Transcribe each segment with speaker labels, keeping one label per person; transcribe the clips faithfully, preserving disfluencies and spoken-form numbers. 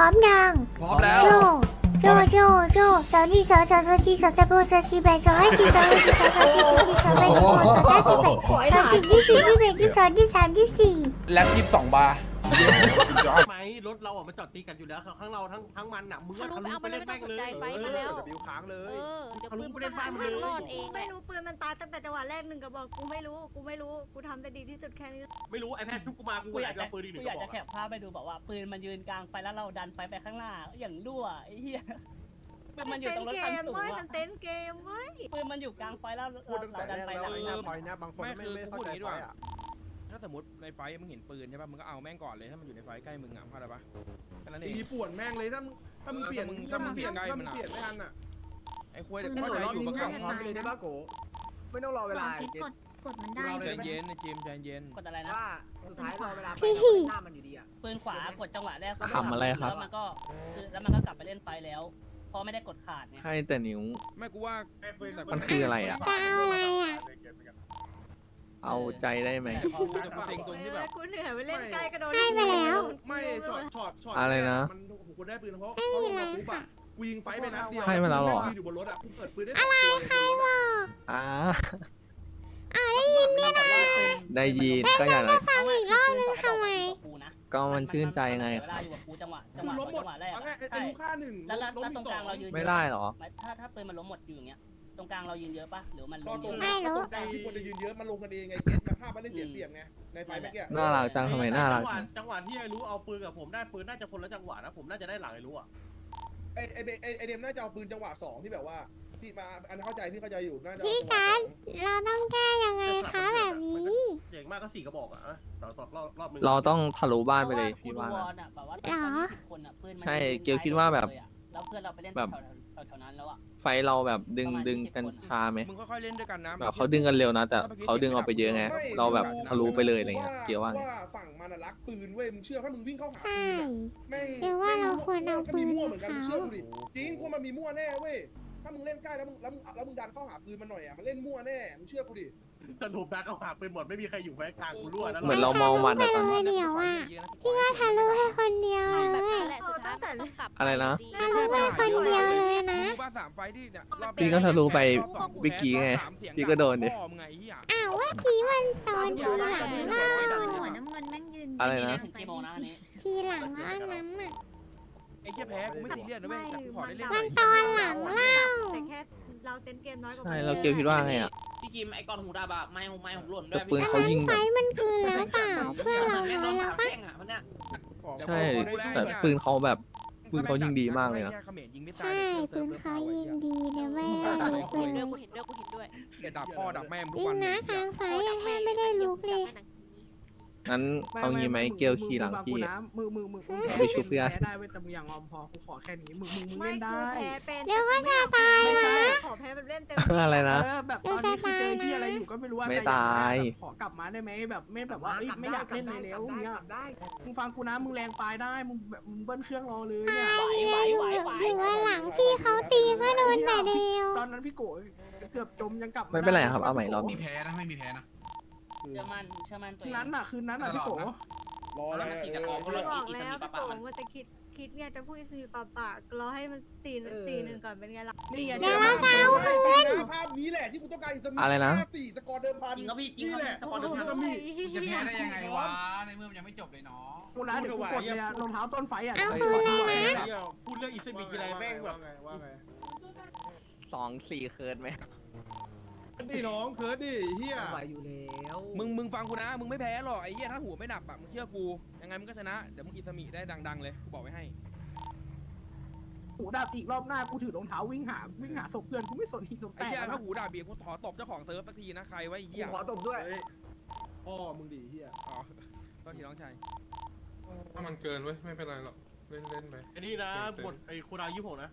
Speaker 1: ร้อมยัง
Speaker 2: พร้อมแล้ว
Speaker 1: โจโจโจโจสาวนี่สาวสาวสาวจีสาวตะโบสาวจีแบสาวให้จีสาวให้จีสาวสาวจีสาวจีสาวแบสาวสาวจีแบสาวจีที่สี่ที่แบที่สองที่สามที่สี่
Speaker 2: แล็บยี่สิบสองบาร์
Speaker 3: ไหมรถเราอ่ะมันจอดตีกันอยู่แล้วทั้งเราทั้งทั้งมันอ่ะมึงก็ทะลุไปเล่นแม่งเลย
Speaker 4: ไปมาแล้ว
Speaker 3: เดี๋ยวบิวค้างเล
Speaker 4: เอย อเดี๋ยว
Speaker 3: ทะลุ
Speaker 4: ปืน
Speaker 3: ไปเล่นบ้านมันเลย
Speaker 4: รอดเองแห
Speaker 5: ไม่
Speaker 4: ละ
Speaker 5: รู้ปืนมันตายตั้งแต่จังหวะแรกหนึ่งกระบอกกูไม่รู้กูไม่รู้กูทำได้ดีที่สุดแค่นี้
Speaker 3: ไม่รู้ไอ้แพทย์ทุกกูมากู
Speaker 6: กูอยาก
Speaker 3: จะ
Speaker 6: จะ
Speaker 3: ปืนอีกหนึ่
Speaker 6: กู
Speaker 3: ง
Speaker 6: อยาก
Speaker 3: ก
Speaker 6: จะ
Speaker 3: ระ
Speaker 6: แค
Speaker 3: บอก
Speaker 6: ปภาพไปดูแบบว่าปืนมันยืนกลางไฟแล้วเราดันไฟไปข้างหน้าอย่างรั่วไอ้เหี้ยปืนมันอยู่ตรงรถ
Speaker 5: เก
Speaker 6: คัน
Speaker 5: ม
Speaker 6: สูง
Speaker 5: เว้ย
Speaker 6: อะ
Speaker 5: มันเต้นเกมเว้ย
Speaker 6: ปืนมันอยู่กลางไฟแล้ว
Speaker 3: พูดตั้งแต่
Speaker 6: เรา
Speaker 3: แร
Speaker 6: ดัน
Speaker 3: ก
Speaker 6: ไฟ
Speaker 3: แล้ว
Speaker 6: หลัง
Speaker 3: ไอ้หน้าพอยนะบางคนไม่ไม่เข้าใจพอยอ่ะ
Speaker 7: ถ้าสมมติในไฟท์มึงเห็นปืนใช่ป่ะมึงก็เอาแม่งก่อนเลยถ้ามันอยู่ในไฟท์ใกล้มึงอ่ะเข้าใจปะแค่นั้นเอง
Speaker 3: ตีป่วนแม่งเลยถ้ามึงถ้ามึงเปลี่ยนถ้ามึงเปลี่ยนถ้ามึงเปลี่ยนไม่ทันอ่ะ
Speaker 7: ไอ้ควยเด็ก
Speaker 8: ไม่
Speaker 7: เข้า
Speaker 8: เดี๋ยวรอบ
Speaker 7: ใจอยู่
Speaker 8: นี้
Speaker 7: ก็
Speaker 8: มึง
Speaker 7: เข้า
Speaker 8: พร้อมไปเลยได้ป่ะโกไม่ต้องรอเวลา
Speaker 5: กดกดมันได้
Speaker 7: ใจเย็นนะจิมใจเย็น
Speaker 6: กดอะไรนะ
Speaker 8: ว่าสุดท้ายรอเวลาไปหน้ามันอยู่ดีอ่ะ
Speaker 6: ปืนขวากดจังหวะแรก
Speaker 9: ขำอะไรครับ
Speaker 6: แล้วมันก็คือแล้วมันก็กลับไปเล่นไฟแล้วเพราะไม่ได้กดขาดไง
Speaker 9: ให้แต่นิ้ว
Speaker 7: ไม่กูว่า
Speaker 9: มันคืออะไรอะ
Speaker 1: จะเอาอะไรอ่ะ
Speaker 9: เอาใจได้ไหม
Speaker 7: แต่พอกูจะฟังตรงที่แบบ
Speaker 5: กูเหนื่อยไปเล่นใกล้กระโดด
Speaker 1: ให้ไปแล้ว
Speaker 3: ไม่ช็อตช็อตช็อต
Speaker 9: อะไรนะ
Speaker 3: มันกูได้ปืนเพราะเพราะลงมาปุ๊บอ่ะกูยิงไฟไปนัดเดียว
Speaker 9: ให้มาแล้วเหรอ
Speaker 3: ยืนอยู่บนรถอ่ะกูเปิดปืนได้สองตัวเลยบนรถอะ
Speaker 9: อ่า
Speaker 6: ได้ยินนี่นะ
Speaker 9: ได้ยินก็อย่างไร
Speaker 6: ฟังอีกรอบนึงทำไม
Speaker 9: ก็มันชื่นใจไง
Speaker 6: เวลาอยู่กับกูจังหวะจัง
Speaker 3: กู
Speaker 6: หวะ
Speaker 3: ล้มหม
Speaker 6: จั
Speaker 3: ด
Speaker 6: งหวะแรก
Speaker 3: เอา
Speaker 6: อะ
Speaker 3: ง่ายไอ้
Speaker 6: ใช่
Speaker 3: ลูกค่าหนึ่ง
Speaker 6: แล้วแล้ว
Speaker 3: ล้ม
Speaker 6: แล้วตรง
Speaker 3: ส
Speaker 6: ก
Speaker 3: อ
Speaker 6: ลาง
Speaker 3: ง
Speaker 6: เรายืน
Speaker 9: ไม่ได้เหรอ
Speaker 6: ไม่ถ้าถ้าปืนมันล้มหมดอยู่อย่างเงี้ยตรงกลางเรายืนเยอะปะหรือมัน
Speaker 3: ก็
Speaker 6: ล้ม
Speaker 3: ต
Speaker 6: เย
Speaker 3: รง
Speaker 6: อะ
Speaker 3: กลางตรงกลางที่คนจะยืนเยอะมันลงกันเองไงเก็ตมาภาพมันเล่นเสียเปรียบไงในไฟเมื่อกี้
Speaker 9: น่ารักจังทำไมน่ารัก
Speaker 3: จังหวะ
Speaker 9: จัง
Speaker 3: จังหวะที่ไอ้รู้เอาปืนกับผมได้ปืนน่าจะคนละจังหวะนะผมน่าจะได้หลังไอ้รู้อ่ะไอ้ไอ้ไอ้ไอ้เดมน่าจะเอาปืนจังหวะสองที่แบบว่าที่มาอันเข้าใจพี่เข้าใจอยู่น่าจะ
Speaker 1: พี่การเราต้องแก้ยังไงคะแบบนี้
Speaker 3: เด็กมากก็สี่กระบอกอ่ะต่อต่อรอบรอบนึง
Speaker 9: เราต้องทะลุบ้านไปเลย
Speaker 6: พระ
Speaker 9: พี่
Speaker 6: ว่
Speaker 9: ว่า
Speaker 6: กูดูวอลอะแบบว่า
Speaker 1: เหรอ
Speaker 6: สิบคนอะปืนมัน
Speaker 9: ใช่
Speaker 6: ยืน
Speaker 9: เกียวคิดว่าแบบ
Speaker 6: เลยอะแล้วเพื่อนเราไปเล่น
Speaker 9: แบบ
Speaker 6: แถวๆแถวๆนั้นแล้วอะ
Speaker 9: ไฟเราแบบดึงดึงกันชาไหม
Speaker 7: มึงค่อยๆเล่นด้วยกันนะ
Speaker 9: แบบเขาดึงกันเร็วนะ แต่เขาดึงออกไปเยอะไง เราแบบทะลุไปเลยอะไรเงี้ยเกียวว่าไง
Speaker 3: ว่าฝั่งมันอะรักปืนเว้ยมึงเชื่อถ้ามึงวิ่งเข้าหา
Speaker 1: ใช่
Speaker 3: ปืนอะแม่ง
Speaker 1: เดี๋ยวว่าเราควรเอา
Speaker 3: ก็มีมั่วเหมือนกัน
Speaker 1: ปืน
Speaker 3: มึงเชื่อกูดิ
Speaker 1: เขา
Speaker 3: จริงกูมันมีมั่วแน่เว้ยถ้ามึงเล่นใกล้แล้วมึงแล้วมึงแล้วมึงดันเข้าหาปืนมันหน่อยอ่ะมันเล่นมั่วแน่มึงเชื่อกูดิสรุปดันเข้าหาปืนหมดไม่มีใครอยู่แพ้กลางกูรั่วนะ
Speaker 9: เหมือนเรามองมันอะตอนนี้
Speaker 1: เดียวอะพี่ก็ทะลุให้คนเดียวเล
Speaker 4: แบบ
Speaker 1: ย
Speaker 4: นั้นแหละสุดท้ายมันต้องกลับ
Speaker 9: อะไรนะ
Speaker 4: ดี
Speaker 1: ทะลุไปคนเดียวเลยนะ
Speaker 7: มึงว่าสามไฟท์ที่เนี่ยรอบ
Speaker 9: พี่ก็ทะลุไป
Speaker 7: รอบสอง
Speaker 9: วิกกี้ไง
Speaker 7: รอบสามเสีย
Speaker 9: พี่ก็โดนดิ
Speaker 7: พ่อมึงไงไอ้เหี้ย
Speaker 1: อ้าวว่ากี้มันตอนทีหลังล่า
Speaker 5: หัวน้ำเงินแม่งยืน
Speaker 9: อะไรนะ
Speaker 6: ถึงกี่โมงนะอันนี้
Speaker 1: ทีหลังแล้วอันนั้นอ่ะ
Speaker 7: ไอ้เหี้ยแพ้กูไม่ซีเรียสนะเว้ยแต่กูขอได้เล่นห
Speaker 1: มั
Speaker 7: น่
Speaker 1: น
Speaker 7: อย
Speaker 1: ตอนหลังเล่า
Speaker 5: แต่แค่เราเต้นเกมน้อยกว่า
Speaker 9: ใช่เราเกียวคิดว่าไงอ่ะ
Speaker 10: พี่กิมไอ้กอนหูดาบอะไม้ของไม้ของหล่นด้
Speaker 9: แต่
Speaker 10: วย
Speaker 9: ปืนเขายิง
Speaker 1: ไฟ
Speaker 9: แบบ
Speaker 1: มันคืนแล้วเปล่าเพื่อนเรา
Speaker 10: แม่
Speaker 1: น้
Speaker 10: น้
Speaker 1: อ
Speaker 10: อง
Speaker 1: ยแล้
Speaker 10: สาว ม
Speaker 1: ปะ
Speaker 10: แข้งอะมันเนี่ย
Speaker 9: ใช่แต่ปืนเขาแบบปืนเขายิงดีมากเลยนะ
Speaker 7: เขมรยิงไม่ตา
Speaker 1: ใช่
Speaker 7: ย
Speaker 1: ปืนเขายิงดีเดี๋ยวไม่
Speaker 4: เอ
Speaker 1: ได้
Speaker 4: อ
Speaker 1: ลุก
Speaker 4: กู
Speaker 1: เล
Speaker 4: เห็นด้วย
Speaker 1: ย
Speaker 4: กูเห็นด้วยกูเห็นด้วย
Speaker 7: เดี๋ยวดับพ่อดับแม่มึงทุ
Speaker 1: ยิ
Speaker 7: ก
Speaker 1: ง
Speaker 7: วัน
Speaker 1: นะค้างไฟยังให้ไม่ได้ลุกเลย
Speaker 9: งั้นเอางี้ไหมเกียวขี่หลังพี่
Speaker 8: มือมือมือมึง
Speaker 9: ไปชุบเพื่อน
Speaker 8: แพ้ได้เว้ยแต่มึงอย่างงอมพอกูขอแค่นี้มึงมึงมึง
Speaker 5: ไม่
Speaker 8: เล่น
Speaker 5: กู
Speaker 8: ได้
Speaker 5: แพ้เป็น
Speaker 1: เดี๋ยวก็จะตาย
Speaker 8: ไม่ใช่
Speaker 5: ขอแพ้แบบเล่นเต็ม
Speaker 9: อะไรนะ
Speaker 8: เออแบบตอนนี้คือเจอที่อะไรอยู่ก็ไม่รู้ว่า
Speaker 9: ไม่
Speaker 8: แต่อ
Speaker 9: ตาย
Speaker 8: แบบขอกลับมาได้ไหมแบบไม่แบบว่าเอ้ยไม่อยากเล่นเลยแล้วอย่างเงี้ยมึงฟังกูนะมึงแรงปลายได้มึงแบบมึงเบิ้ลเครื่องรอเลยเนี่ย
Speaker 6: ไหวไหวไหวไหว
Speaker 1: หรือว่าหลังพี่เขาตีก็โดนแต่เดียว
Speaker 8: ตอนนั้นพี่โกเกือบจมยังกลับ
Speaker 9: ไม่เป็นไรครับเอาใหม่รอบ
Speaker 2: มี
Speaker 9: นี้
Speaker 2: แพ้นะไม่มีแพ้นะ
Speaker 6: เชื่อมั่นเชื่อมั่นตัว
Speaker 8: คื
Speaker 6: เอน ง
Speaker 8: นั้นน่ะคืนนั้นน่ะพี่โก
Speaker 3: รออะไร
Speaker 10: มัน
Speaker 3: อะ
Speaker 10: ติดแต่
Speaker 3: เอ
Speaker 10: ของ
Speaker 3: อ
Speaker 10: ก็เลย
Speaker 5: บอก
Speaker 10: อีส
Speaker 5: แล้ว
Speaker 10: มีปะ
Speaker 5: พี่
Speaker 10: ปะ
Speaker 5: โป่งว่าจะคิดคิดเนี่ยจะพูดสีปาปากรอให้มันตีนตีหนึ่งก่อนเป็นไงล่ะ
Speaker 8: นี่ไง
Speaker 1: เดี๋ยวเราจะเอาคืน
Speaker 3: ภาพนี้แหละที่กูต้องการอิสมิ
Speaker 9: อะไรนะ
Speaker 3: ห้าสี่สกอร์เดิมพัน
Speaker 10: จริงก็พี่จริง
Speaker 3: นี่
Speaker 10: ก็
Speaker 3: แหละ
Speaker 10: สปอนเซอร์
Speaker 3: อิสมิ
Speaker 2: จะแพ้ได้ยังไงวะในเมื่อมันยังไม่จบเลยเนาะ
Speaker 8: กูนะเดี๋ยวกูกดเลยอะรองเท้าต้นไฟอ่ะ
Speaker 1: เอาคืนเลยนะ
Speaker 3: พูดเรื่องอิสมิอะไรแม่งแบบว่าไง
Speaker 9: สองสี่เคิร์ดไหม
Speaker 3: ดิน้องเคิร์ดดิเฮีย
Speaker 8: ไหวอยู่แล้ว
Speaker 7: มึงมึงฟังกูนะมึงไม่แพ้หรอกไอ้เหี้ยถ้าหัวไม่หนักอะมึงเชื่อกูยังไงมึงก็ชนะเดี๋ยวมึงอิสมิได้ดังๆเลยกูบอกไว้ให้
Speaker 8: หูดาบอีกรอบหน้ากูถือรองเท้าวิ่งหาวิ่งหาศพเพื่อนกูไม่สนทีสน
Speaker 7: ไอ้
Speaker 8: แต่
Speaker 7: เหี้ยถ้าหูด่าเบียร์กูขอตบเจ้าของเซิร์ฟสักทีนะใครไว้ไอ้เหี้ย
Speaker 8: ขอตบด้วย
Speaker 3: พ่อมึงดิเฮีย
Speaker 7: อ๋อตอนทีน้องชาย
Speaker 11: ถ้ามันเกินเว้ยไม่เป็นไรหรอกเล่นเล่นไป
Speaker 3: ไอ้นี่นะบทไอ้โคดายี่หกนะ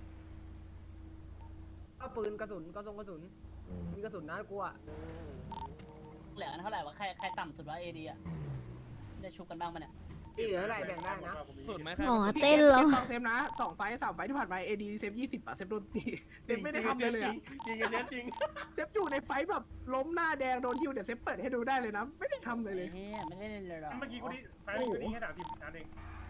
Speaker 8: เอาปืนกระสุนกระสุนกระสุนมีกระสุนนะกูอ่ะ
Speaker 6: เหลือกันเท่าไหร่วะใครใครต่ำสุดวะเอดีอะได้ชุบกันบ้างปะเนี่ย
Speaker 8: เหลืออะไรแบ่งได้นะ
Speaker 7: ส่วนไหมใคร
Speaker 1: หมอเต้นเหรอ
Speaker 8: เซฟนะสองไฟสามไฟที่ผ่านมาเอดีเซฟยี่สิบอะเซฟโดนตีเซฟไม่ได้ทำเลยเลยอะ
Speaker 3: จริงกันเยอะจริง
Speaker 8: เซฟอยู่ในไฟแบบล้มหน้าแดงโดนฮิวเดี๋ยวเซฟเปิดให้ดูได้เลยนะไม่ได้ทำเลยเลย
Speaker 6: เฮ้ยไม่ได้เล่นเลยหรอ
Speaker 3: เมื่อกี้กูนี่ไฟล์กูนี่แค่ด่าทีมนัดเอง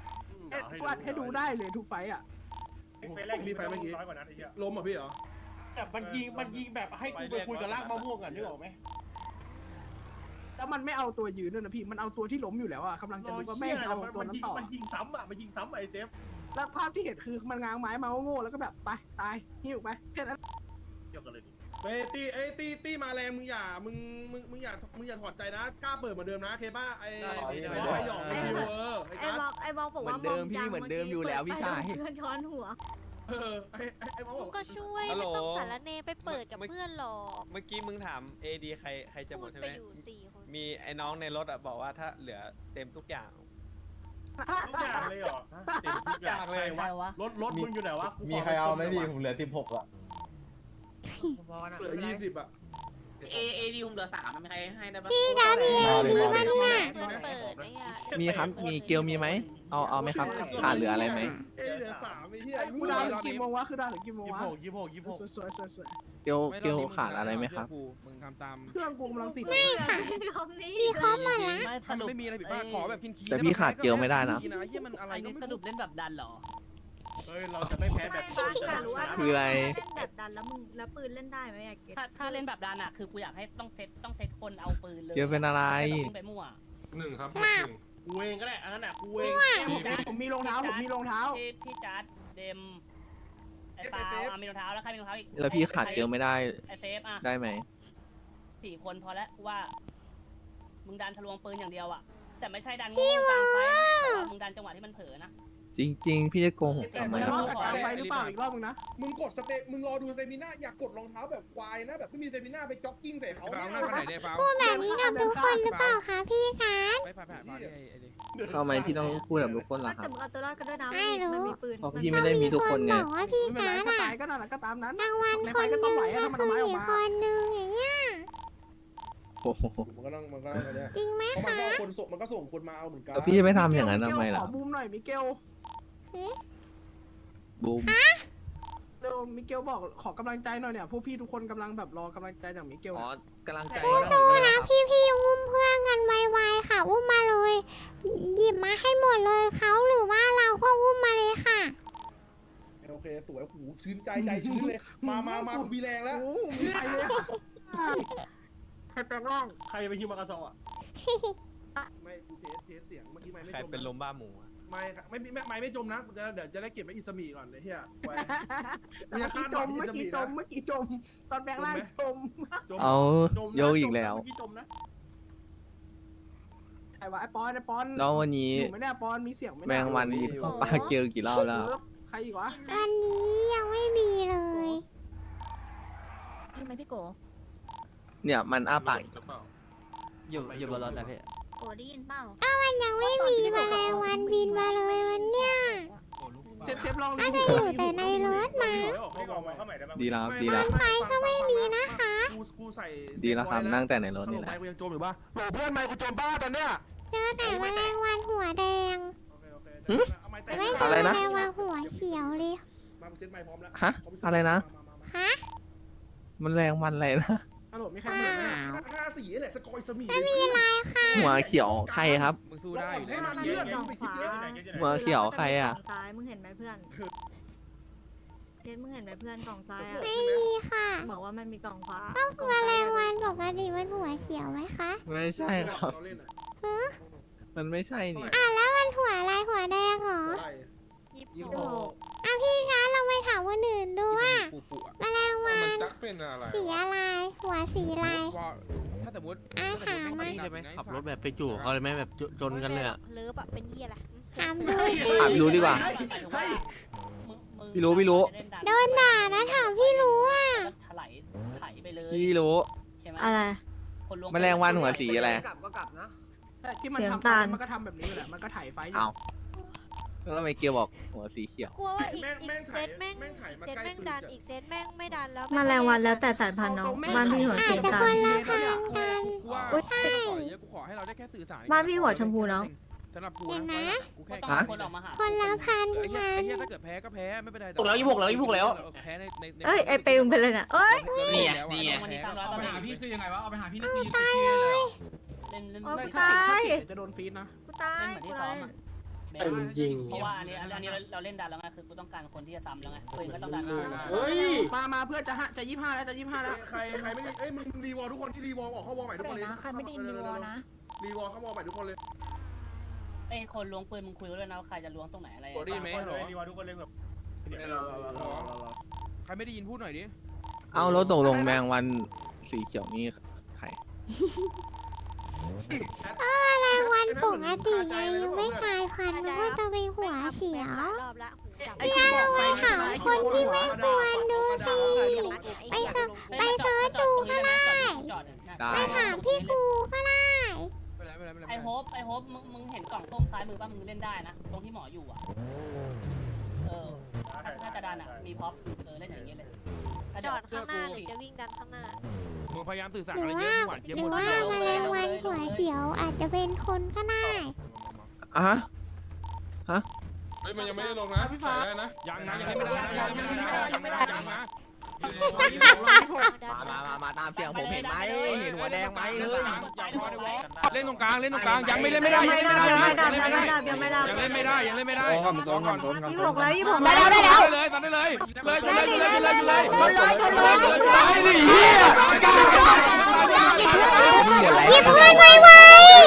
Speaker 8: เอ๊ะกูอัดให้ดูได้เลยทุกไฟต์อ่ะ
Speaker 3: มีไฟเมื่อกี้ล้มเหรอพี่เหรอ
Speaker 10: แบบมันยิงมันยิงแบบให้กูไปคุยกับลากมะม่วงกันนึกออกไหม
Speaker 8: แล้วมันไม่เอาตัวยืนด้วยนะพี่มันเอาตัวที่ล้มอยู่แล้วอ่ะกำลังจะดูว่าแม่งเอาตัวนั้นต่อ
Speaker 3: มันยิงซ้ำอ่ะมันยิงซ้ำไอ้เซฟ
Speaker 8: แล้วภาพที่เห็นคือมันง้างไม้มาโง่ๆแล้วก็แบบไปตายหิ้วไปแค่นั้น
Speaker 3: เกี่ยวกันเลยดิเฮ้ยตีเอ้ยตีตีมาแรงมึงอย่ามึงมึงมึงอย่ามึงอย่าถอดใจนะกล้าเปิดเหมือนเดิมนะเคป้าไอ้ไอ้หยองไอ้คิวเออไอ้
Speaker 5: ไอ้
Speaker 3: กัส
Speaker 5: บอกไอ้บอกบอกว่ามองจังเมื่อกี้เพื่อนช้อนหัว
Speaker 3: เออไอ้ไอ้ไอ้หมอบอก
Speaker 4: ก็ช่วยไม่ต้องสารเนไปเปิดกับเพื่อนหรอก
Speaker 9: เมื่อกี้มึงถามเอดีใครใครจะหม
Speaker 4: พู
Speaker 9: ด
Speaker 4: ด
Speaker 9: ใช่
Speaker 4: ไป
Speaker 9: ไหม
Speaker 4: อยู่สี่คน
Speaker 9: มีไอ้น้องในรถอ่ะบอกว่าถ้าเหลือเต็มทุกอย่าง
Speaker 3: ทุกอย่างเลยเหรอเต็มทุกอย่างเลย
Speaker 6: ใครวะ
Speaker 3: รถรถมึงอยู่ไหนวะ
Speaker 12: มีใครเอาไหมพี่ผมเหลือสิบหกอ่ะ
Speaker 3: เหลือยี่สิบอ่ะ
Speaker 10: เอเอดีผมเหลือสามมีใครให้ได้ปะ
Speaker 1: พี่ดาวมีเอดีป่ะเนี่ย
Speaker 4: เพื่อนเปิดไอ้เหี้ย
Speaker 9: มีครับมีเกลมีไหมเอาเอาไหมครับขาดเหลืออะไรไหม
Speaker 3: เอ้ยเหลือสามไอ้เหี้ย
Speaker 8: กูดาวถึงกี่โมงวะคือดาวถึงกี่โมง
Speaker 3: ยี่
Speaker 8: วะ
Speaker 3: หกยี่หกยี่หก
Speaker 8: สวยสวยสวยสวย
Speaker 9: เกลเกลขาดอะไรไหมครับ
Speaker 7: มึงทำตาม
Speaker 8: เครื่องกูกำลังติด
Speaker 5: ไม่ค่ะคำนี้
Speaker 1: พี่เขามาละ
Speaker 6: ไม่ส
Speaker 7: มัน
Speaker 6: รุป
Speaker 7: ไม่มีอะไรผิดพลาดขอแบบคินคี
Speaker 9: แต่พี่ขาดเกลไม่ได้นะ
Speaker 7: เฮียมันอะไร
Speaker 6: ไอ้
Speaker 7: ก็
Speaker 6: นี่
Speaker 7: ไม่
Speaker 6: สรุปเล่นแบบดันเหรอ
Speaker 3: เฮ้ยเราจะไม่แพ้แบบ
Speaker 5: ไม่ค่ะรู้ว่า
Speaker 9: คืออะไร
Speaker 5: เล่นแบบดันแล้วมึงแล้วปืนเล่นได้ไหมอยากเก็ต
Speaker 6: ถ้าถ้าเล่นแบบดันอ่ะคือกูอยากให้ต้องเซตต้องเซตคนเอาปืนเลย
Speaker 9: เกลเป็นอะไร
Speaker 6: ม่ใช่แบบวิ่งไปมั่ว
Speaker 11: หนึ่งครับหนึ่ง
Speaker 3: กูเองก็ได้อันนั้นอ่ะกูเอง
Speaker 8: ผมมีรองเท้าผมมีรองเท้า
Speaker 6: พี่พี่จัดเดมไอ้ปาอ่ะมีรองเท้าแล้วใครมีรองเท้าอีก
Speaker 9: แล้วพี่ขาดเกลไม่ได้
Speaker 6: ไอ้เซฟอ่ะ
Speaker 9: ได้ไหม
Speaker 6: สี่คนพอแล้วว่า มึงดันทะลวงปืนอย่างเดียวอ่ะแต่ไม่ใช่ดันโง่กลางไฟนะแต่ว่ามึงดันจังหวะที่มันเผลอนะ
Speaker 9: จริง ๆ พี่จะโกหกทำไม
Speaker 8: จะร
Speaker 9: ล่ะ
Speaker 8: อบกับกลางไฟหรือเปล่าอีกรอบมึงนะ
Speaker 3: มึงกดสเตมึงรอดูสเตมิน่าอยากกดรองเท้าแบบควายนะแบบไม่มีสเตมิน่าไปจ็อกกิ้งใส่เขา
Speaker 7: ฟ้า
Speaker 3: เนี่
Speaker 7: งหน้าย ไปไหนได้ฟ้า
Speaker 1: พูดแบบนี้กับทุกคนหรือเปล่าคะพี่การ
Speaker 7: ไปผ่านผ่านผ่านไอ้ไอ้ดิ
Speaker 9: ทำไมพี่ต้องพูดแบบทุกคนล่ะค
Speaker 5: แต่
Speaker 9: รับ
Speaker 5: มึงเอาตัวรอดกันด้วยนะ
Speaker 1: ไม่รู้
Speaker 5: มันมีปืน
Speaker 9: เพราะพี่ไม่ได้มีทุกคนไง
Speaker 1: บอกว่าพี่
Speaker 8: ไม่เป็นไร
Speaker 1: การ
Speaker 8: ถ้า
Speaker 1: อะ
Speaker 8: ตายก็นั่นแหละก็ตามนั้น
Speaker 1: รางวัล
Speaker 8: ใน
Speaker 1: ค
Speaker 8: ไฟ
Speaker 1: นห
Speaker 8: ก็
Speaker 1: นึ่ง
Speaker 8: ต้องไหว
Speaker 1: เหลื
Speaker 8: ถ้ามันเอาไม้ออก
Speaker 1: อีก
Speaker 8: มา
Speaker 1: คนหนึ่งอย่างเงี้ย
Speaker 9: โอ้โห
Speaker 3: มันก็ต้องมันก็ต้องอันเนี้ย
Speaker 1: จริงไหม
Speaker 3: เพราะมัน
Speaker 1: คะ
Speaker 3: ก็คนส่งมันก็ส่งคนมาเอาเหมือนกัน
Speaker 9: แล้วพี่จะไม่ทำอย่างนั้นทำไมล่ะ
Speaker 8: ขอบูมหน่อยมิเกล
Speaker 9: บูม
Speaker 8: เร็วมิเกลบอกขอกำลังใจหน่อยเนี่ยพวกพี่ทุกคนกำลังแบบรอกำลังใจจากมิเกล
Speaker 9: อ๋อ
Speaker 8: นะ
Speaker 9: กำลังใจ
Speaker 1: สู้ๆนะพี่พี่ๆอุ้มเพื่อนกันไวๆค่ะ อุ้มมาเลย หยิบมาให้หมดเลยเขาหรือว่าเราก็อุ้มมาเลยค่ะ
Speaker 3: โอเคสวยโอ้โหชื้นใจใจชื้นเลยมามามากูมีแรงแล้ว
Speaker 8: โอ้มีใครเลยใครแปลงร่าง
Speaker 3: ใครไปฮิวมากาซออ่ะไม่กูเทสเทสเสียงเมื่อกี้ไม่ไม่
Speaker 9: ใคร
Speaker 3: จม
Speaker 9: เป็นลมบ้าหมูอะ
Speaker 3: ไม่ไม่ไม่ไม่ไม่จมนะเดี๋ยวเดี๋ยวจะได้เก็บไว้อิสมีก่อนเลยเฮียไว้
Speaker 8: เมื่อกี้จมเมื่อกี้จมเมื่อกี้จม ตอนแปลงร่างจม
Speaker 3: จม
Speaker 9: เอา
Speaker 3: จมนะ
Speaker 9: โยกอีกแล้ว
Speaker 3: เมื่อกี้จมนะ
Speaker 8: ไอ้วะไอ้ปอนไอ้ปอน
Speaker 9: แล้ววันนี้
Speaker 8: อยู่ไม่ได้ปอนมีเสียงไม่
Speaker 9: แม
Speaker 8: ได้
Speaker 9: งวันมีปลาเกลกี่รอบแล้ว
Speaker 8: ใครอีกวะ
Speaker 1: อันนี้ยังไม่มีเลย
Speaker 4: ทำไมพี่โก
Speaker 9: เนี่ยมันอ้าปาก
Speaker 11: หรือเปล่า
Speaker 12: อยู่อยู่บนรถนะพี่
Speaker 4: โกได้ยินเปล่า
Speaker 1: มันยังไม่มีแมลงวันบินมาเลยวันเนี้ย
Speaker 8: เซฟเซฟลอง
Speaker 1: น่าจะอยู่แต่ในรถมั้ง
Speaker 3: เขาบอกเข้าใหม่ได้ไหม
Speaker 9: ดีแล้วครับดีแล้ว
Speaker 1: ไฟก็ไม่มีนะคะ
Speaker 3: กูกูใส่
Speaker 9: ดีแล้วครับนั่งแต่ในรถนี่แหละ
Speaker 3: ไมกูยังจมอยู่ป่ะโหลเพื่อนไมกูจมบ้าตอนเนี้ย
Speaker 1: เจอแต่แมลงวันหัวแดง
Speaker 3: โอเคโอเค
Speaker 9: หึ
Speaker 3: เอาไม้แต
Speaker 1: แต่
Speaker 3: ก
Speaker 1: ไม่เจ
Speaker 9: อะไร
Speaker 1: อแม
Speaker 9: นะ
Speaker 1: ลงวันหัวเขียวเลย
Speaker 3: มากูเซ็ตไม้พร้อมแล้ว
Speaker 9: ฮะอะไรนะ
Speaker 1: ฮะ
Speaker 9: มันแรงมันอะไรนะ
Speaker 8: ฮัลโหลมีใครเหมือนไหม
Speaker 3: ห้าสี่แหละสกอยสมี
Speaker 1: ไม่มีอะไรค่ะ
Speaker 9: หัวเขียวใครครับ
Speaker 7: มึงสู้ได้อยู่แล้ว
Speaker 5: มัน
Speaker 7: เย
Speaker 5: มี
Speaker 7: อะ
Speaker 5: กล่องขวา
Speaker 9: หัวเขียวใครอ่ะ
Speaker 5: กล่งซ้ายมึงเห็นไหมเพื่อนเห็นมึงเห็นไหมเพื่อนกล่องซ้ายอ่ะ
Speaker 1: ไม่มีค่ะ
Speaker 5: บอกว่ามันมีกล่องขวา
Speaker 1: แมลงวันปกติมันหัวเขียวไหมคะ
Speaker 9: ไม่ใช่ครับ
Speaker 3: เราเล่นอะ
Speaker 9: มันไม่ใช่นี่
Speaker 1: อ่ะแล้วมันหัวอะไรหัวแดงเหรอ
Speaker 3: อะไร
Speaker 4: ยิบ
Speaker 8: ยี่
Speaker 4: โก
Speaker 8: สิบหก
Speaker 1: อ่ะพี่คะเราไปถามคนอื่นดูว่า
Speaker 7: ปูปูอะ
Speaker 1: แมลงวั
Speaker 11: มัน
Speaker 1: น
Speaker 11: จักเป็นอะไร
Speaker 1: สีอะไร หัวสีอะไร
Speaker 7: ว่าถ้าสมมติ
Speaker 1: อ่ะ
Speaker 7: ถ้าสมมติ
Speaker 1: ถามมา
Speaker 7: ไม่ได้ไหม
Speaker 12: ขับรถแบบไปจู่เขาเลยไหมแบบจนกันเลยอ่ะ
Speaker 4: เลิฟอะเป็นเหี้ยอะไร
Speaker 1: ถามดู
Speaker 9: ถามรู้ดีกว่า พี่รู้พี่รู้
Speaker 1: โดนด่านะถามพี่รู้อ่ะ
Speaker 6: ถลายไถไปเลย
Speaker 9: พี่รู้
Speaker 6: ใช่ไหม
Speaker 5: อะไร
Speaker 6: คนล้วง
Speaker 9: แมลงวันหัวสีอะไร
Speaker 10: กลับก็กลับนะ
Speaker 8: ใช่ที่มัน
Speaker 5: เสียง
Speaker 8: ทำ
Speaker 5: ตาล
Speaker 8: มันก็ทำแบบนี้แหละมันก็ถ่ายไฟอยู่
Speaker 9: เอาแล้วทำไมเกียวบอกหัวสีเขียว
Speaker 4: กลัวว่าอีก
Speaker 3: แม่ง
Speaker 4: อี
Speaker 3: แม่ง
Speaker 4: กเซ
Speaker 3: ถ่าย
Speaker 4: ตแม่ง
Speaker 3: แม่งถ่ายมา
Speaker 4: เซต
Speaker 3: ใกล้
Speaker 4: แม่ง
Speaker 3: ปืน
Speaker 4: ดัน
Speaker 3: จัด
Speaker 4: อีกเซตแม่งไม่ดันแล้ว
Speaker 5: แมลงวันแล้วแต่สายพันธุ์เนาะบ้านพี่หัว
Speaker 1: อา
Speaker 5: เก
Speaker 1: จ
Speaker 5: ม
Speaker 1: จะ
Speaker 5: ตา
Speaker 1: ค
Speaker 5: ล
Speaker 1: นละพันกัน
Speaker 7: กูว่า
Speaker 5: อุ๊ย
Speaker 7: ไม่ต้องขอเยอะกูขอให้เราได้แค่สื่อสาร
Speaker 5: บ้านพี่หัวชมพูเนอะ
Speaker 7: สำหรับกู
Speaker 1: เดี๋ยว
Speaker 7: นะ
Speaker 1: นะ
Speaker 7: กู
Speaker 6: ก็
Speaker 7: แค่
Speaker 6: ต้อง
Speaker 9: ฮะ
Speaker 6: คนออกมาหา
Speaker 1: คนละพัน
Speaker 7: ไอ้เหี้ย
Speaker 1: กั
Speaker 7: ไอ้
Speaker 1: น
Speaker 7: เหี้ยถ้าเกิดแพ้ก็แพ้ไม่เป็นไร
Speaker 10: ถูกแล้วยี่หกแล้วยี่หกแล้ว
Speaker 7: แพ้ในในใน
Speaker 5: เอ้ยไอเปย์มึงเป็นอะไรเนี่ยเอ้ย
Speaker 10: นี่ไงนี่ไง
Speaker 6: วันนี้ตามร้อย
Speaker 2: เอา
Speaker 6: ตาม
Speaker 2: ไป
Speaker 6: เล่
Speaker 2: หาพี่
Speaker 6: น
Speaker 2: คือยังไงวะ เอาไปหาพี่นี่คือยืนติดเกเลยเหรอ
Speaker 6: เล่นเล่น
Speaker 5: โอ้
Speaker 6: ไม่
Speaker 5: กู
Speaker 6: ใช่
Speaker 5: ตาย
Speaker 8: เดี๋ยวจะโดนฟีดนะ
Speaker 5: กูตาย
Speaker 6: เล่นเหมือน
Speaker 5: กู
Speaker 6: ที่
Speaker 5: ตา
Speaker 6: ซ้อย มอะไหมเพราะว่าอันนี้อันนี้เราเล่นดันแล้วไงคือกูต้องการคนที่จะซ้ำแล้วไงปืนก็ต้องดัน
Speaker 8: เฮ้ยมามาเพื่อจะฮะจะยี่ห้าแล้วจะยี่ห้าแล้ว
Speaker 3: ใครใครไม่ได้เอ้ยมึงรีวอลทุกคนที่รีวอลออกเข้าวอลใหม่ทุกคนเลยใครไม่ได้รีวอลนะรีวอลเข้าวอลใหม่ทุกคนเลย
Speaker 6: ไอ้คนล้วงปืนมึงคุยกันด้วยนะว่าใครจะล้วงตรงไหนอะไร
Speaker 7: โอ้ดีไหมเหรอ
Speaker 10: รีวอทุกคนเลยแบบ
Speaker 7: ใครไม่ได้ยินพูดหน่อยดิ
Speaker 9: เอาแล้วตกลงแมงวันสีเขียวนี่ใคร
Speaker 1: ก็แมลงวันปกติไงยังไม่กลายพันธุ์มันก็จะเป็นหัวเขียว
Speaker 4: รอบละหูจับ
Speaker 1: พี่อาเราไปถามคนที่ไม่ควรดูสิไปเซิร์ชไปเซิร์ชดูก็ได้
Speaker 9: ได้
Speaker 1: ไปถามพี่กูก็ได้
Speaker 7: ไม่เป็นไรไม่เป็นไรไม่เป็นไร
Speaker 6: ไอโฮปไอโฮปมึงมึงเห็นกล่องส้มซ้ายมือป่ะมึงเล่นได้นะตรงที่หมออยู่อ่ะเออถ้าจะดันอ่ะมีพ็อปเออเล่นอย่างเงี้ยเลย
Speaker 4: จอดข้างหน้าหรือจะวิ่งดันข้างหน้า
Speaker 7: มึงพยายามสื่อสาร
Speaker 1: ห
Speaker 7: อะ
Speaker 1: รื
Speaker 7: ไร
Speaker 1: อ
Speaker 7: เย
Speaker 1: ว่า
Speaker 7: อะหวานเจี๊ยบ
Speaker 1: ห
Speaker 7: ห
Speaker 1: รื
Speaker 7: ม
Speaker 1: อ
Speaker 7: ด
Speaker 1: ว่าแมลงวันหัวเขียวอาจจะเป็นคนก็ได้
Speaker 9: อ่ะฮะฮะ
Speaker 11: เฮ้ยมันยังไม่ได้ลงนะพี่ฟ้าได้นะ
Speaker 7: ยังนะยังไม่ได้ยังไม่ได้ยังไม่ได้ยังนะ
Speaker 9: มามามามาตามเสียงผมเห็นไหมเห็นหัวแดงไหมเฮ้ย
Speaker 7: เล่นตรงกลางเล่นตรงกลางยังไม่เล่นไม่ได้ยังเล่นไม่ได้ยังเล่นไม่ได้ยังเล่นไม่ได้ยังเล่นไม่ได้ก่อนก่อนก่อนก่อน
Speaker 5: ยี่หกแล้วยี่หก
Speaker 7: ได้
Speaker 5: แล้ว
Speaker 7: แล้ว
Speaker 5: ได้
Speaker 7: ได้
Speaker 5: แล้ว
Speaker 7: เลยตัดได้เลยเลยเลยเลยเลยเลยเลย
Speaker 1: หยิบเพื่อนไว้ไว้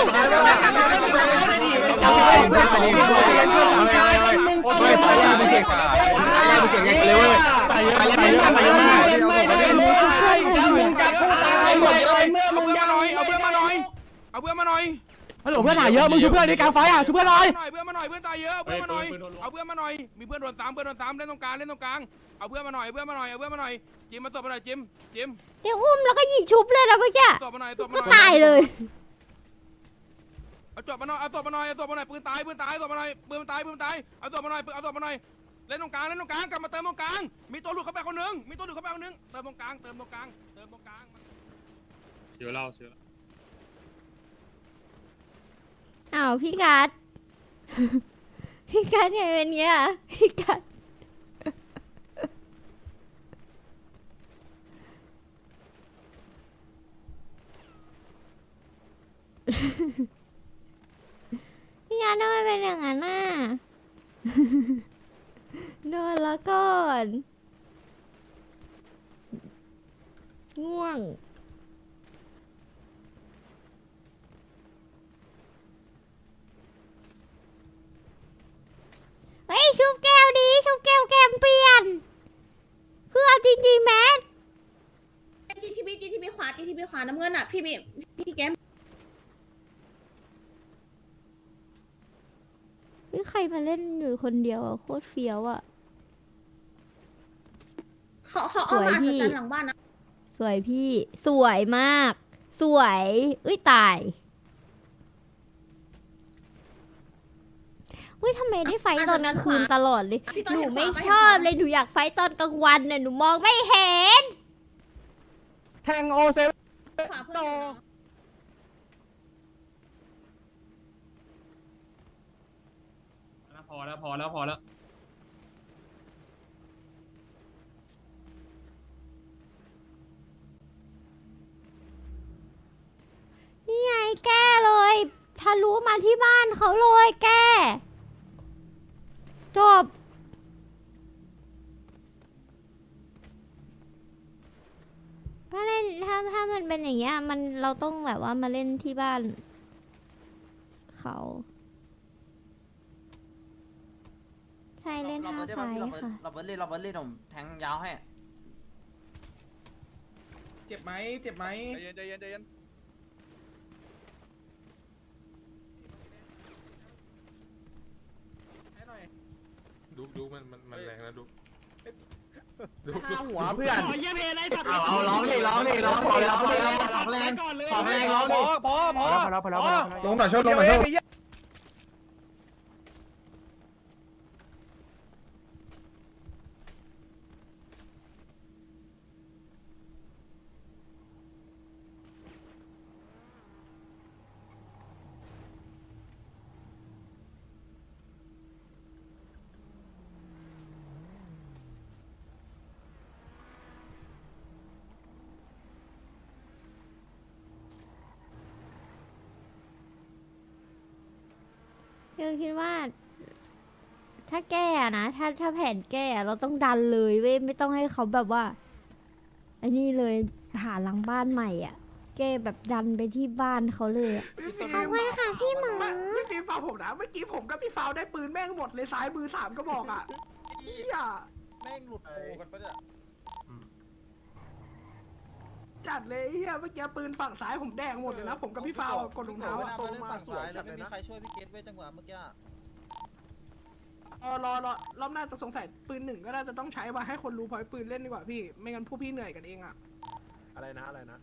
Speaker 9: ไม่ไปแล้วไม่เก่งไม่เก่งยังเร็วเลยไปเยอะไปเยอะไปเยอะไปเยอะมาก
Speaker 7: มึงจับกูตายไปเลยเมื่อมึงยังหน่อยเอาเพื่อนมาหน่อยเอาเพื่อนมาหน่อย
Speaker 12: ฮัลโหลเพื่อนหายเยอะมึงช่วยเพื่อนในกลางไฟอ่ะช่วยเพื่อนหน่อย
Speaker 7: เพื่อนมาหน่อยเพื่อนตายเยอะเพื่อนมาหน่อยเอาเพื่อนมาหน่อยมีเพื่อนโดนสามเพื่อนโดนสามเล่นตรงกลางเล่นตรงกลางเอาเพื่อนมาหน่อยเพื่อนมาหน่อยเอาเพื่อนมาหน่อยจิมมาตบมาหน่อยจิมจิม
Speaker 1: เดี๋ยวอุ้มแล้วก็หยิบชุบเลยนะเมื่อกี้
Speaker 7: ตบมาหน่อยตบมาห
Speaker 1: ก็
Speaker 7: น่อย
Speaker 1: ตายเลย
Speaker 7: เอาจบมาหน่อยเอาตบมาหน่อยเอาตบมาหน่อยปืนตายปืนตายตบมาหน่อยปืนตายปืนตายเอาตบมาหน่อยเอาตบมาหน่อยเล่นตรงกลางเล่นตรงกลางกลับมาเติมตรงกลางมีตัวหลุดเข้าไปคนนึงมีตัวหลุดเข้าไปคนนึงเติมตรงกลางเติมตรงกลางเติมตรงกลาง
Speaker 11: เชื่อเราเชื่อ
Speaker 1: อ้าวพี่กัด พี่กัดไงเป็นเงี้ยพี่กัด พี่กัดทำไมเป็นอย่างนั้นน่ะ นอนแล้วก่อน ง่วง เฮ้ยชุบแก้วดีชุบแก้วแกมเปลี่ยน คือเอาจริงๆแมท
Speaker 5: จีทีบีจีทีบีขวาจีทีบีขวาน้ำเงินอ่ะพี่บีพี่แกม
Speaker 1: นี่ใครมาเล่นอยู่คนเดียวอ่ะโคตรเฟี้ยวอ่ะ
Speaker 5: เขาเขาเอามาอัศจรรย์หลังบ้านนะ
Speaker 1: สวยพี่ สวยมาก สวยเอ้ยตายเฮ้ยทำไมได้ไฟตอนกลางคืนตลอดเลย หนูไม่ชอบเลย หนูอยากไฟตอนกลางวันน่ะ หนูมองไม่เห็น
Speaker 12: แทงโอเซ
Speaker 5: ขวาเพื่อน
Speaker 11: พอแล้วพอแล้วพอแล้ว
Speaker 1: นี่ไงแก้เลยทะลุมาที่บ้านเขาเลยแก้จบถ้าเล่นถ้าถ้ามันเป็นอย่างเงี้ยมันเราต้องแบบว่ามาเล่นที่บ้านเขาใช่เล่นห้าไฟค่ะ
Speaker 12: เราเบิร์ดเล่นเราเบิร์ดเล่นผมแทงยาวให้
Speaker 8: เจ็บไหมเจ็บไหม
Speaker 3: ใจเย็นใจเย็นใจเย็น
Speaker 11: ดูดูมันมันมันแรงนะดู
Speaker 12: ข้าหัวเพื่อน
Speaker 8: ขอเยี่ยมเอได้สัตว์
Speaker 12: เอาเอาร้องดิร้องดิร้องพอแล้วพอแล้วของแรงของแรงร้องดิ
Speaker 8: พอพอ
Speaker 12: พอแล้วพอแล้วพอแล้ว
Speaker 3: ลงหน่อยชดลงหน่อยชด
Speaker 1: คือคิดว่าถ้าแก้อะนะถ้าถ้าแผนแก้อะเราต้องดันเลยเว้ยไม่ต้องให้เขาแบบว่าไอ้นี่เลยหาหลังบ้านใหม่อ่ะ แก้แบบดันไปที่บ้านเขาเลยอะ
Speaker 8: ขอบคุณค่ะพี่หมอพี่ฟิล์มฟังผมนะเมื่อกี้ผมกับพี่ฟาวได้ปืนแม่งหมดเลยซ้ายมือสามก็บอกอ่ะเอี้ย
Speaker 10: แม่งหลุดโผกันปะเนี่ย
Speaker 8: จัดเลยเอี้ยเมื่อกี้ปืนฝั่งซ้ายผมแดงหมดเลยนะผมกับพี่ฟาวอะกดรองเท้าอะ
Speaker 10: โซมาสวยจัดเลยนะใครช่วยพี่เกตไว้จังหวะเมื่อกี้
Speaker 8: เออรอรอรอบหน้าจะสงสัยปืนหนึ่งก็น่าจะต้องใช้มาให้คนรู้พอยปืนเล่นดีกว่าพี่ไม่งั้นพวกพี่เหนื่อยกันเองอ่ะ
Speaker 3: อะไรนะอะไรนะ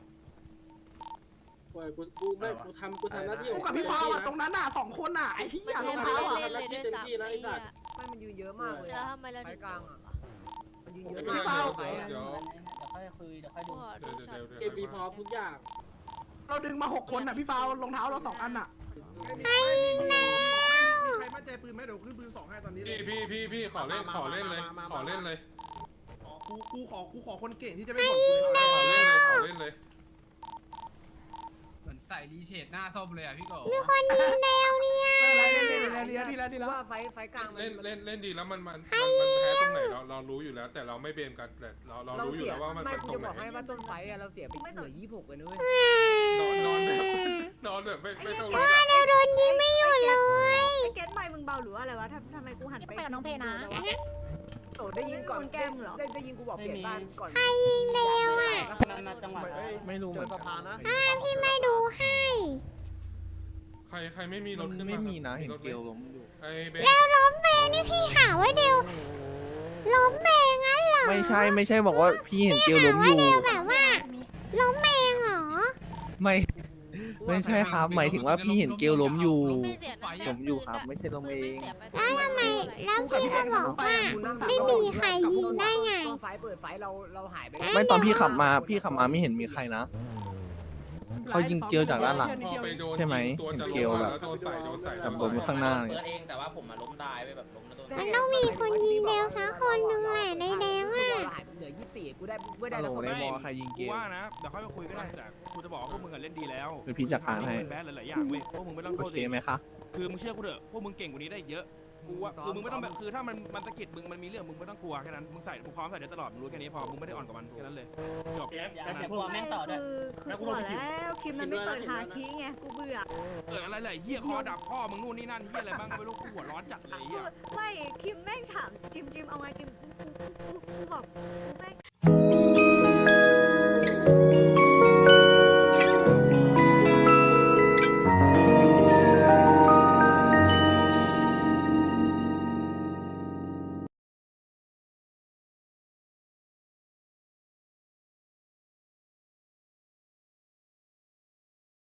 Speaker 12: กูกูไม่กูทำกูทำหน้าที่
Speaker 8: กูกับพี่ฟาวอะตรงนั้นอ่ะสองคนอ่ะไอ้เหี้ยรองเท้าอ่ะ
Speaker 4: เล่นเลยด้วยซ้ำไอ้เหี้ย
Speaker 12: ไม่มันยืนเยอะมากเลย
Speaker 4: แล้วทำไมเราถึง
Speaker 12: มันยืนเยอะ
Speaker 11: ไม่
Speaker 12: มาก
Speaker 11: เป็นไรเดี๋ยว
Speaker 6: เดี๋ยวค่อยคุยเดี๋ยวค่อยดู
Speaker 11: เดี๋ยวเดี๋ยว
Speaker 12: เกมมีพร้อมทุกอย่าง
Speaker 8: เราดึงมาหกคนอ่ะพี่ฟาวรองเท้าเราสองอันอ่ะ
Speaker 3: ไม่มีไม่มีใครมั่นใจปืนไหมเดี๋ยวขึ้นปืนสองให้ตอนนี้เลย
Speaker 11: พี่พี่พี่พี่ขอเล่นขอเล่นเลยขอเล่นเลย
Speaker 3: ขอกูกูขอกูขอคนเก่งที่จะไม่บ่นกูเลย
Speaker 11: ขอเล่นเลยขอเล่นเลย
Speaker 2: เหมือนใส่รีเชดหน้าส้มเลยอ่ะพี่โก
Speaker 1: มีคนยิงแนวเนี่ย
Speaker 8: อะไรเล่นเล่นเล่นดีแล้วดีแล้วดีแล้ว
Speaker 12: ว่าไฟไฟกลางมัน
Speaker 11: เล่นเล่นเล่นดีแล้วมันมันมันมันแพ้ตรงไหนเราเรารู้อยู่แล้ว แต่เราไม่เบมกันแต่เราเรา
Speaker 12: เรา
Speaker 11: รู้อยู่
Speaker 12: เสีย
Speaker 11: แล้วว่ามัน
Speaker 12: ไม่
Speaker 11: มัน
Speaker 12: กู
Speaker 11: ตร
Speaker 12: จะ
Speaker 11: ง
Speaker 12: บอก
Speaker 11: ไหน
Speaker 12: ให้ว่าต้นไฟอะเราเสียไปเหลือยี่สิบหกเลยนุ้ย
Speaker 11: นอนนอนแบบนอนแบบไม่ไม่ต้องรู้
Speaker 1: เราโดนยิงไม่หยุดเลย
Speaker 5: ไอ้เกตไมค์มึงเบาหรือว่าอะไรวะทำทำไมกูหันไปกับน้องเพนะ
Speaker 12: โอ้ได้ยินก่อนแก้มเหรอได้ได้ยินกูบอกเปลี่ยนบ้านก่อน
Speaker 1: ใครยิงแนวอ่ะ
Speaker 6: มันมาจังหวะ
Speaker 3: ไม่รู้เหมือนสะพานนะ
Speaker 1: พี่ไม่ดูให้
Speaker 11: ใครใครไม่มีรถขึ้นมาไม่มีนะเห็นเกลล้มอยู่ไอ้เบน
Speaker 1: แล้วล้มเมงนี่พี่หาว่าเดียวล้มเมงงั้นเหรอ
Speaker 9: ไม่ใช่ไม่ใช่บอกว่าพี่เห็นเกลล้มอยู่
Speaker 1: เดียวแบบว่าล้มเมงเหรอ
Speaker 9: ไม่ไม่ใช่ครับหมายถึงว่าพี่เห็นเกลล้มอยู่
Speaker 4: ไม่เสียน้ำ
Speaker 9: ล้มอยู่ครับไม่ใช่ล้มเอง
Speaker 1: แล้วทำไมแล้วพี่ก็บอกว่าไม่มีใครยิงได้ไง
Speaker 12: ต้นไฟเปิดไฟเราเราหายไป
Speaker 9: ไม่ตอนพี่ขับมาพี่ขับมาไม่เห็นมีใครนะ เขายิงเกลียวจากด้านหลัง
Speaker 11: พอไปโดน
Speaker 9: ใช่ไหม
Speaker 11: ตัวจะ
Speaker 9: เกล
Speaker 11: ล้ม
Speaker 9: แบบ
Speaker 11: แล้วโดนใส่โดนใส่
Speaker 9: กับล้มข้างหน้าเลย
Speaker 6: เปิดเองแต่ว่าผมมาล้มตายไปแบบล้มแล้วโดน
Speaker 1: มันต้องมีคนยิงแดงสักคนหนึ่งแหละในแดงอ่ะ
Speaker 12: หายไปเหลือยี่สิบสี่กูได้ไม่ได้
Speaker 9: ฮัล
Speaker 12: แล้ว
Speaker 9: โหล
Speaker 12: คน
Speaker 9: ใน
Speaker 12: ไม่
Speaker 9: บอใครยิงเก
Speaker 7: กู
Speaker 9: ล
Speaker 7: ว่านะเดี๋ยวค่อยมาคุยก็ได้แต่กูจะบอกว่าพวกมึงอะเล่นดีแล้ว
Speaker 9: เดี๋ยวพี่จัดการให้
Speaker 7: แบดหลายๆอย่างเว้ยพวกมึงไม่ต้อง
Speaker 9: โอ
Speaker 7: โทษ
Speaker 9: เค
Speaker 7: ตัวเอง
Speaker 9: ไหมคะ
Speaker 7: คือมึงเชื่อกูเถอะพวกมึงเก่งกว่านี้ได้เยอะกูว่าคือมึงไม่ต้องแบบคือถ้ามันมันสะกิดมึงมันมีเรื่องมึงไม่ต้องกลัวแค่นั้นมึงใส่มึงพร้อมใส่ได้ตลอดมึงรู้แค่นี้พอมึงไม่ได้อ่อนกับมันแค่นั้นเลยจบ
Speaker 10: แก๊ป
Speaker 6: อย่า
Speaker 10: แก๊ป
Speaker 6: อย่ากลัวแม่งต่อด้วย
Speaker 5: คือคือกูบอกแล้วคิมมันไม่เปิดหาคีไงกูเบื่อ
Speaker 7: เอออะไรเลยเฮียคอดับพ่อมึงนู่นนี่นั่นเฮียอะไรบ้างไม่รู้กูหัวร้อนจัดเลยเฮีย
Speaker 5: ไม่คิมแม่งถามจิมจิมเอาไงจิมกูกูกูกูบอกกูแม่ง